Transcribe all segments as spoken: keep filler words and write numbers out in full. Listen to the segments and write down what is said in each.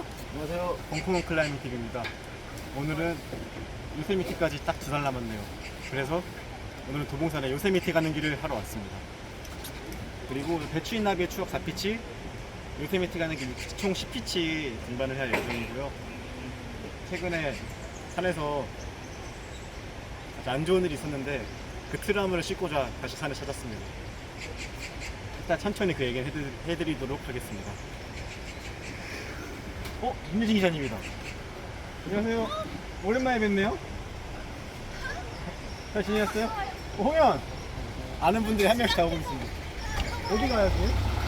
안녕하세요. 벙커원 클라이밍 팁입니다. 오늘은 요세미티까지 딱 두 달 남았네요. 그래서 오늘은 도봉산에 요세미티 가는 길을 하러 왔습니다. 그리고 배추인 나비의 추억 사 피치, 요세미티 가는 길 총 십 피치 등반을 할 예정이고요. 최근에 산에서 아주 안 좋은 일이 있었는데 그 트라우마를 씻고자 다시 산을 찾았습니다. 일단 천천히 그 얘기를 해드, 해드리도록 하겠습니다. 어? 김유진 기자님이다. 안녕하세요. 오랜만에 뵙네요. 잘 지내셨어요? 어, 홍현! 아는 분들이 한 명씩 다 오고 있습니다. 어디 가요, 지금?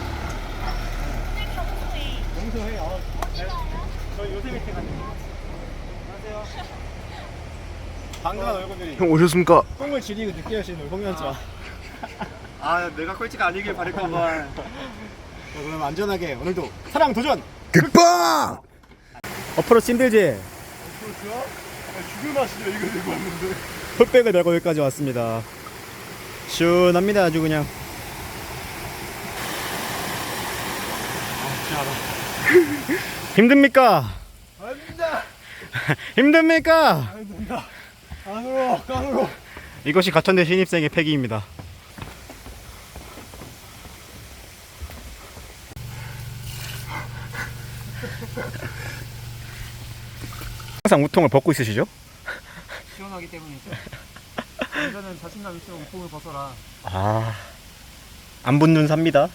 영서해. 아, 네. 저 요세미티 갑니다. 안녕하세요. 반가운 얼굴들이. 형 오셨습니까? 똥을 지리고 늦게 하시는 홍현자. 아, 내가 꼴찌가 아니길 바랄까봐. 자, 그럼 안전하게 오늘도 사랑 도전! 극방! 어프로치 힘들지? 어프로치요? 죽을 맛이죠. 이거 들고 왔는데. 풀백을 메고 여기까지 왔습니다. 시원합니다, 아주 그냥. 아, 힘듭니까? 아닙니다. 힘듭니까? 아닙니다. 안으로, 깡으로. 이것이 가천대 신입생의 패기입니다. 항상 우통을 벗고 있으시죠? 시원하기 때문이죠. 이거는 자신감 있으면 우통을 벗어라. 아, 안 붙는 삽니다.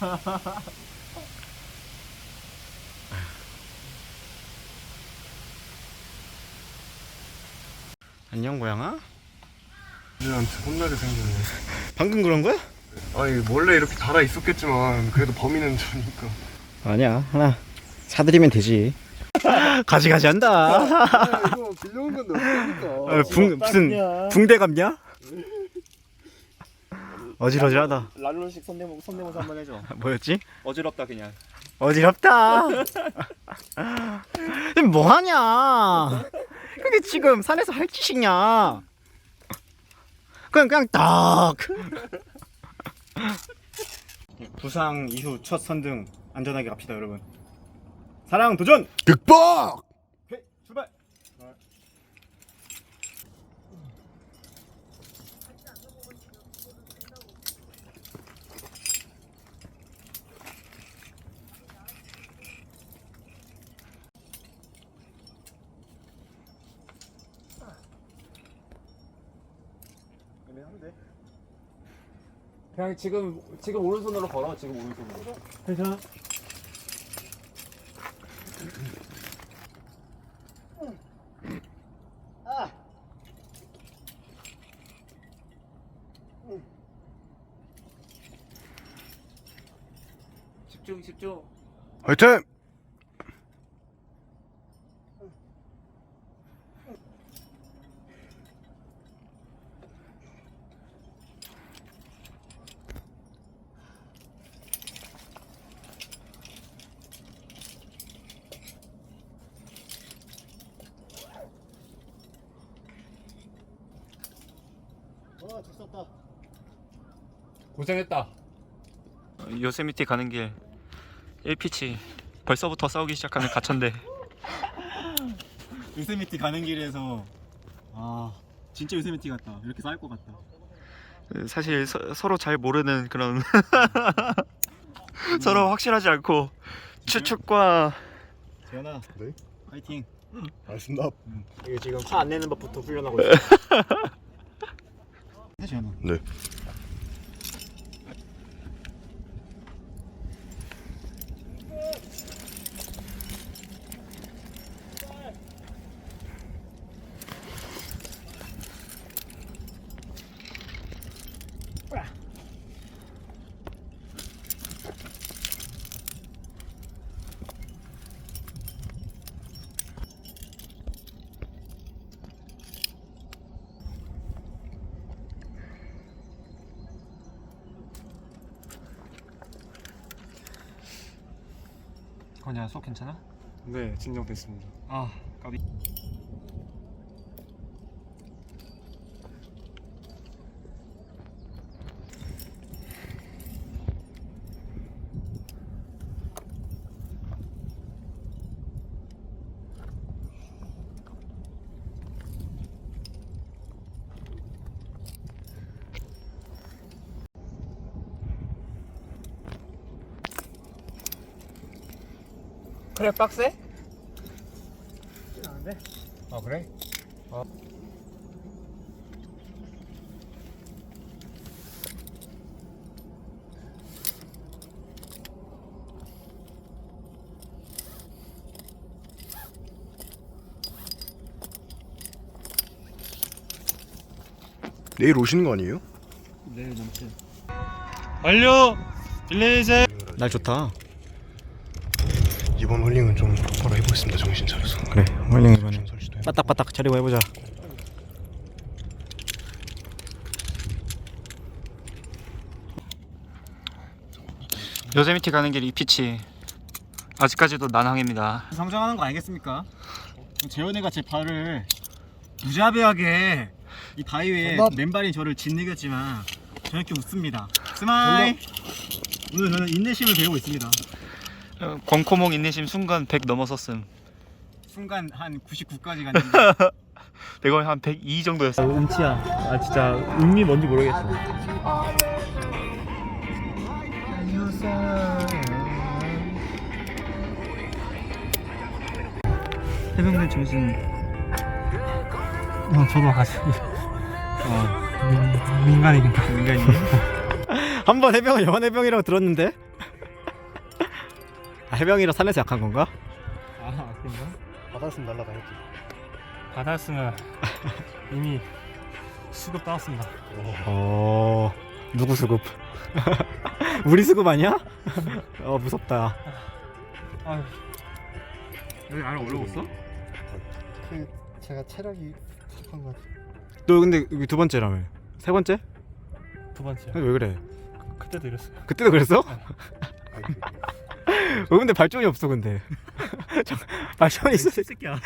안녕 고양아. 얘한테 혼나게 생겼네. 방금 그런 거야? 아니 원래 이렇게 달아 있었겠지만 그래도 범인은 저니까. 아니야, 하나 사드리면 되지. 가지가지 한다. 아, 이거 빌려온 건데 어떡합니까? 어, 붕, 무슨 붕대 감냐? 어지러지하다. 랄로식 손대모 손대모사 한번 해줘. 뭐였지? 어지럽다 그냥. 어지럽다. 뭐하냐? 그게 지금 산에서 할 짓이냐? 그냥 그냥 딱. 부상 이후 첫 선등 안전하게 갑시다, 여러분. 사랑 도전. 극방! 오케이, 출발. 그냥 지금 지금 오른손으로 걸어. 지금 오른손으로. 괜찮아. 집중 집중. 화이팅! 와, 좋았다. 고생했다. 요세미티 가는 길 일 피치. 벌써부터 싸우기 시작하는 가천대. 요세미티 가는 길에서 아, 진짜 요세미티 같다. 이렇게 싸울 것 같다. 사실 서, 서로 잘 모르는 그런 서로 확실하지 않고 추측과 재현아, 네? 파이팅. 알겠습니다. 이게 지금 화 안 내는 법부터 훈련하고 있어. 네, 재현아. 네. 거냐, 속 괜찮아? 네, 진정됐습니다. 아, 까비. 그래 빡세? 안돼. 아 그래? 내일 오시는 거 아니에요? 내일 남친. 완료! 빌레이제! 날 좋다. 이번 홀링은 좀 바로 해보겠습니다. 정신 차려서. 그래, 홀링 이번에 정신 설치도 해보고. 빠딱빠딱 차리고 해보자. 요세미티 가는 길 이피치 아직까지도 난항입니다. 성장하는 거 알겠습니까? 재현이가 제 발을 무자비하게 이 바위에 맨발인 저를 짓이겼지만 저는 이렇게 웃습니다. 스마일! 오늘 저는 인내심을 배우고 있습니다. 어, 권코몽 인내심 순간 백 넘어섰음. 순간 한 구십구까지 갔는데 내가 한 백이 정도였어. 음치야. 아 진짜 음미 뭔지 모르겠어. 해병대 정신. 어, 저도 같이. 어, 민, 민간인인가? 민간인. 한번 해병 여한 해병이라고 들었는데. 아, 해병이라 산에서 약한 건가? 아 그런가? 받았으면 날라다녔지. 받았으면 이미 수급 따왔습니다. 어, 누구 수급? 우리 수급 아니야? 어, 무섭다. 아유 여기 안에 올라갔어? 그 제가 체력이 부족한 것 같아요. 너 근데 여기 두 번째라며? 세 번째? 두 번째. 왜 그래? 그때도 이랬어요. 그때도 그랬어? 아니, 왜 근데 발전이 없어 근데? 저, 발전이 있어. 새끼야.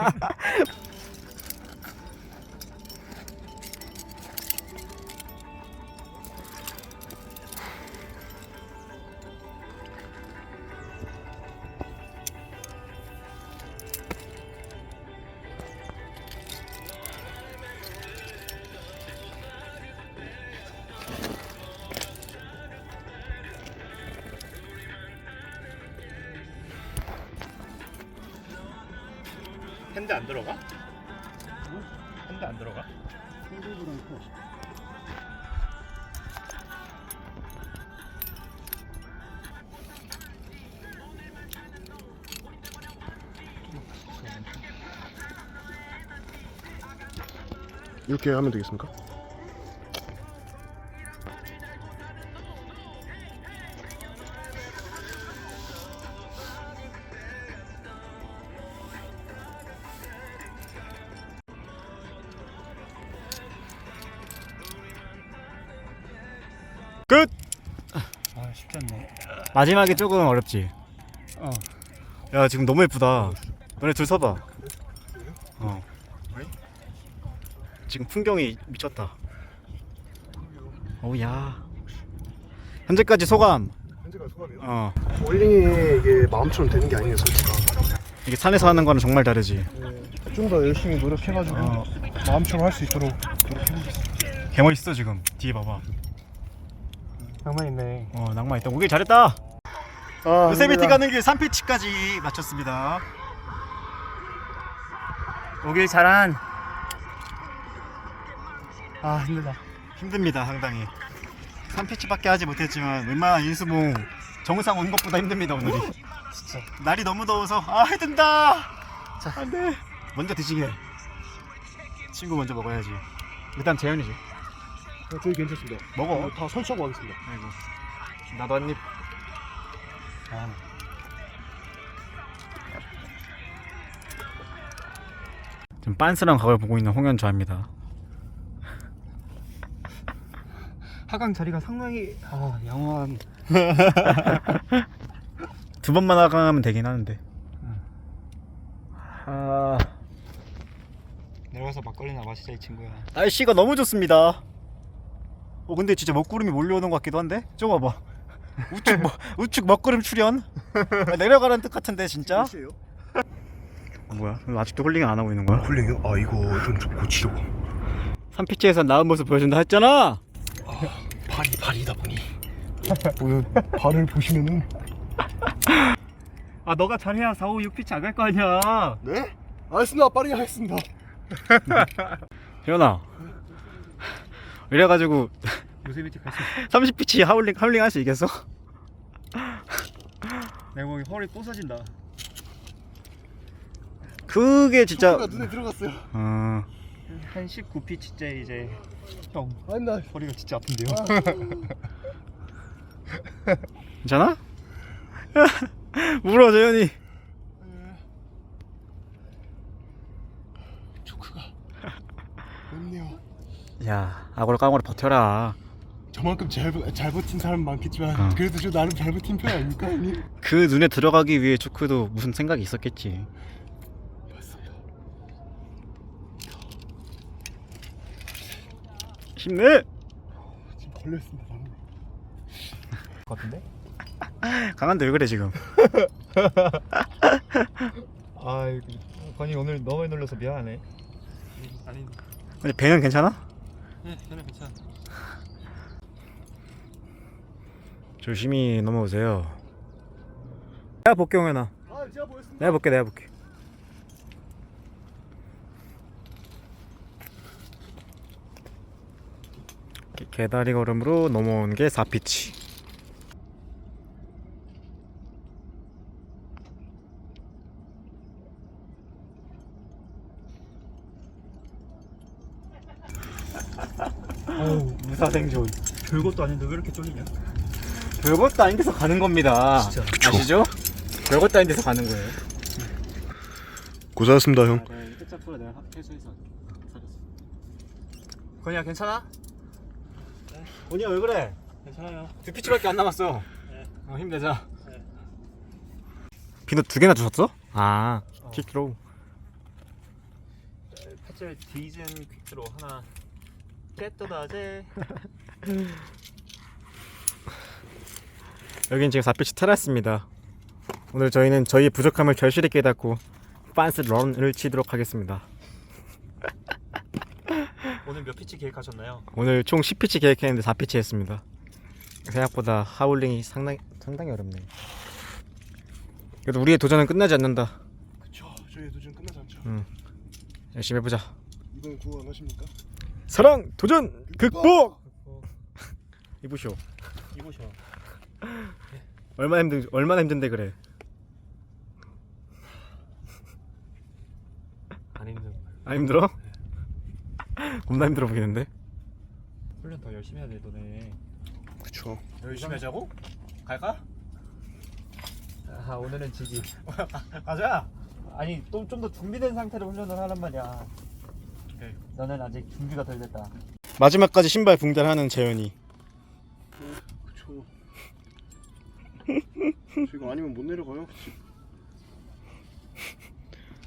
핸드 안 들어가? 핸드 안 들어가? 이렇게 하면 되겠습니까? 끝. 아 쉽지 않네. 마지막에 조금 어렵지. 어. 야 지금 너무 예쁘다. 너네 둘 서봐. 어. 지금 풍경이 미쳤다. 오야. 현재까지 소감. 현재가 소감이요? 어. 홀링이 이게 마음처럼 되는 게 아니에요, 솔직히. 이게 산에서 하는 거는 정말 다르지. 좀 더 열심히 노력해가지고 어. 마음처럼 할 수 있도록 노력해보겠습니다. 개 멋있어 지금. 뒤에 봐봐. 낭만 있네. 어 낭만 있다. 오길 잘했다. 아, 요세미티 가는 길 삼 피치까지 마쳤습니다. 오길 잘한. 아 힘들다. 힘듭니다 상당히. 삼 피치밖에 하지 못했지만 웬만한 인수봉 정상 온 것보다 힘듭니다 오늘이. 진짜. 날이 너무 더워서 아 해든다. 자 안돼. 먼저 드시게. 친구 먼저 먹어야지. 일단 재현이지. 어, 저희 괜찮습니다. 먹어. 다 설치하고 가겠습니다. 아이고. 나도 한 입. 아. 지금 빤스랑 각을 보고 있는 홍현주입니다. 하강 자리가 상당히 아 양호한. 두 번만 하강하면 되긴 하는데. 아 내려가서 막걸리나 마시자 이 친구야. 날씨가 너무 좋습니다. 어 근데 진짜 먹구름이 몰려오는 것 같기도 한데. 저거 봐봐. 우측 뭐, 우측 먹구름 출현. 아, 내려가라는 뜻 같은데 진짜. 몇시에요? 뭐야? 아직도 홀링 안 하고 있는 거야? 홀링이요? 아 이거 좀, 좀 고치려고. 삼 피치에서 나은 모습 보여준다 했잖아. 발이 발이다 보니 보여 발을 보시면은 아 너가 잘해야 사, 오, 육 피치 안 갈 거 아니야. 네? 알겠습니다. 빠르게 하겠습니다. 현아 이래가지고 요세미티 갈수 있어. 삼십 피치 하울링 하울링 할 수 있겠어? 내가 보기 허리 부서진다. 그게 진짜 초크가 눈에 들어갔어요. 어... 한 십구 피치째 이제 형 아닙니다. 허리가 진짜 아픈데요. 괜찮아? 울어 재현이. 초크가 없네요. 야 아고라 깡고라 버텨라. 저만큼 잘, 버- 잘 버틴 사람 많겠지만 어. 그래도 저 나름 잘 버틴 편 아닙니까 형님? 그 눈에 들어가기 위해 초크도 무슨 생각이 있었겠지. 맞습니다. 힘내. 지금 걸렸습니다 방금. 같은데? 강한데 왜 그래 지금? 아 건이 오늘 너무 놀라서 미안하네. 아니 근데 배는 괜찮아? 네 저는 괜찮아. 조심히 넘어오세요. 내가 볼게 용현아. 아 제가 보였습니다. 내가 볼게 내가 볼게. 개- 개다리 걸음으로 넘어온 게 사 피치. 어우 무사생존. 별것도 아닌데 왜 이렇게 쫄리냐? 별것도 아닌 데서 가는 겁니다. 진짜. 아시죠? 별것도 아닌 데서 가는 거예요. 고생하셨습니다 형. 네, 끝자프로 내가 회수해서 살렸어. 건이야 괜찮아? 건이야 왜 그래? 괜찮아요. 두 피치밖에 안 남았어. 네. 어, 힘내자. 네. 비누 두 개나 주셨어? 아, 어. 퀵드로우. 패치 디즌 퀵드로 하나 깨떠다제. 여긴 지금 사 피치 테라스입니다. 오늘 저희는 저희의 부족함을 결실히 깨닫고 빤스 런을 치도록 하겠습니다. 오늘 몇 피치 계획하셨나요? 오늘 총 십 피치 계획했는데 사 피치 했습니다. 생각보다 하울링이 상당히 상당히 어렵네. 그래도 우리의 도전은 끝나지 않는다. 그쵸. 저희 도전 끝나지 않죠. 응. 열심히 해보자. 이번 구호 안 하십니까? 사랑 도전 극복. 이보쇼. 이보셔. 얼마나 힘든 얼마나 힘든데 그래. 안 힘든. 안 힘들어? 겁나 힘들어 보이는데. 훈련 더 열심히 해야 돼 너네. 그쵸. 열심히 하자고? 갈까? 아 오늘은 지기. 가자. 아니 또 좀 더 준비된 상태로 훈련을 하란 말이야. 오케이. 너는 아직 준비가 덜 됐다. 마지막까지 신발 붕달하는 재현이. 그쵸. 저 이거 아니면 못 내려가요. 집